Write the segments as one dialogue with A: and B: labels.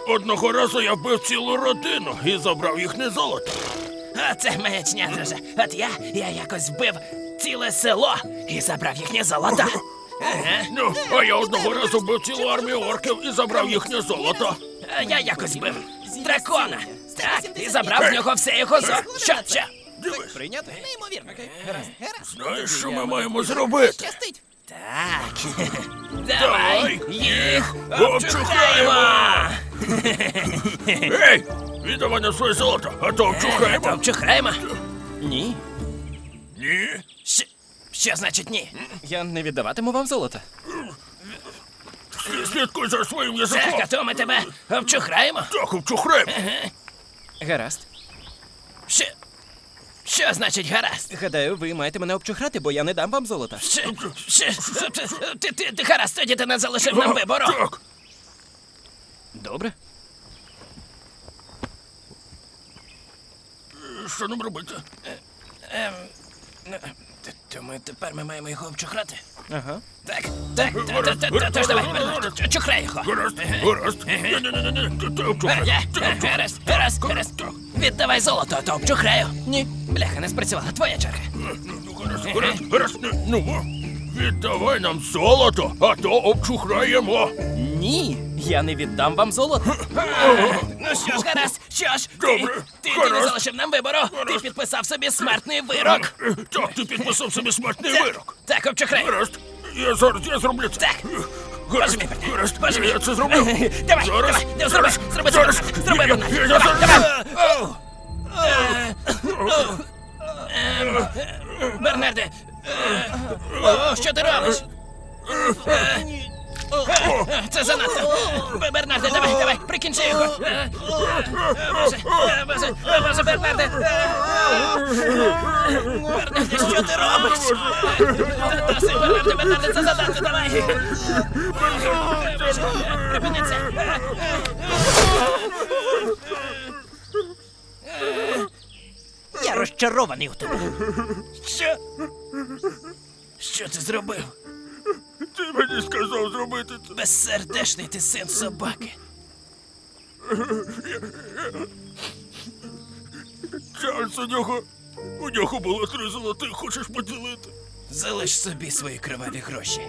A: Одного разу я вбив цілу родину і забрав їхнє золото.
B: Оце маячня, друже. От я якось вбив ціле село і забрав їхнє золото. Ага.
A: Ну, а я одного разу вбив цілу армію орків і забрав їхнє золото.
B: А я якось вбив дракона. Так, і забрав з нього все його золото. Що?
A: Дивись,
C: Прийняти? Неймовірно. Гаразд.
A: знаєш, що ми маємо зробити?
C: Щастить.
B: Так. Давай їх
A: обчухаємо!
B: обчухаємо!
A: Ей, віддавай нам своє золото, а то обчухаємо.
B: Обчухаємо?
C: Ні.
A: Ні.
B: Що значить ні?
C: Я не віддаватиму вам золото.
A: Слідкуй за своїм
B: Так,
A: язиком.
B: а то ми тебе обчухаємо.
A: Так, обчухаємо.
C: Гаразд.
B: Що значить гаразд?
C: Гадаю, ви маєте мене обчухрати, бо я не дам вам золота.
B: Ти гаразд, тоді ти не залишив нам вибору.
A: Так.
C: Добре.
A: Що нам робити?
B: Тому тепер ми маємо його обчухрати.
C: Ага.
B: Так,
A: Гаразд,
B: тож давай,
A: гаразд.
B: чухрай його.
A: Гаразд, гаразд. Ні, ти обчухай.
B: Гаразд. Віддавай золото, а то обчухраю. Ні, бляха, не спрацювала. Твоя черга.
A: Гаразд. Ну, віддавай нам золото, а то обчухраємо.
C: Ні, я не віддам вам золото.
B: Ну що ж, гаразд, що ж,
A: Добре,
B: ти не
A: гаразд.
B: залишив нам вибору. Ти підписав собі смертний вирок.
A: Так, ти підписав собі смертний вирок.
B: Так, обчухрай.
A: Гаразд. Я зроблю це.
B: Так.
A: Гаразд,
B: Боже мій,
A: гаразд.
B: Боже мій.
A: Я це зроблю.
B: Давай,
A: Зараз.
B: давай, зроби,
A: Зараз.
B: Бернард.
A: Я
B: Давай,
A: зараз.
B: Бернарде, що ти робиш? Це занадто. Бернарде, давай, прикінчи його. Боже, Бернарде. Бернарде, що ти робиш? Досить, Бернарде, це занадто, давай. Припини це. Я розчарований у тебе. Що? Що ти зробив?
A: Ти мені сказав зробити це.
B: Безсердечний ти син собаки.
A: Чарльз, у нього було 3 золотих, хочеш поділити?
B: Залиш собі свої криваві гроші.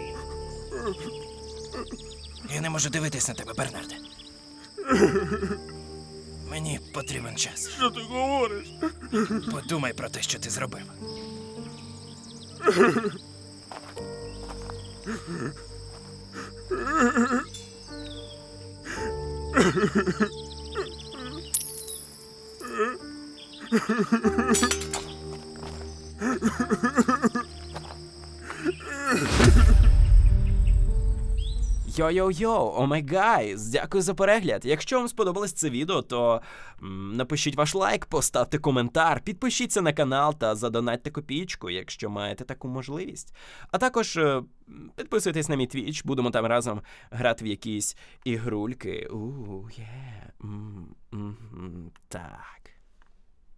B: Я не можу дивитись на тебе, Бернарде. Мені потрібен час.
A: Що ти говориш?
B: Подумай про те, що ти зробив.
C: Йо-йо-йо, о май гайз, дякую за перегляд. Якщо вам сподобалось це відео, то напишіть ваш лайк, поставте коментар, підпишіться на канал та задонатьте копійку, якщо маєте таку можливість. А також підписуйтесь на мій твіч, будемо там разом грати в якісь ігрульки. Так.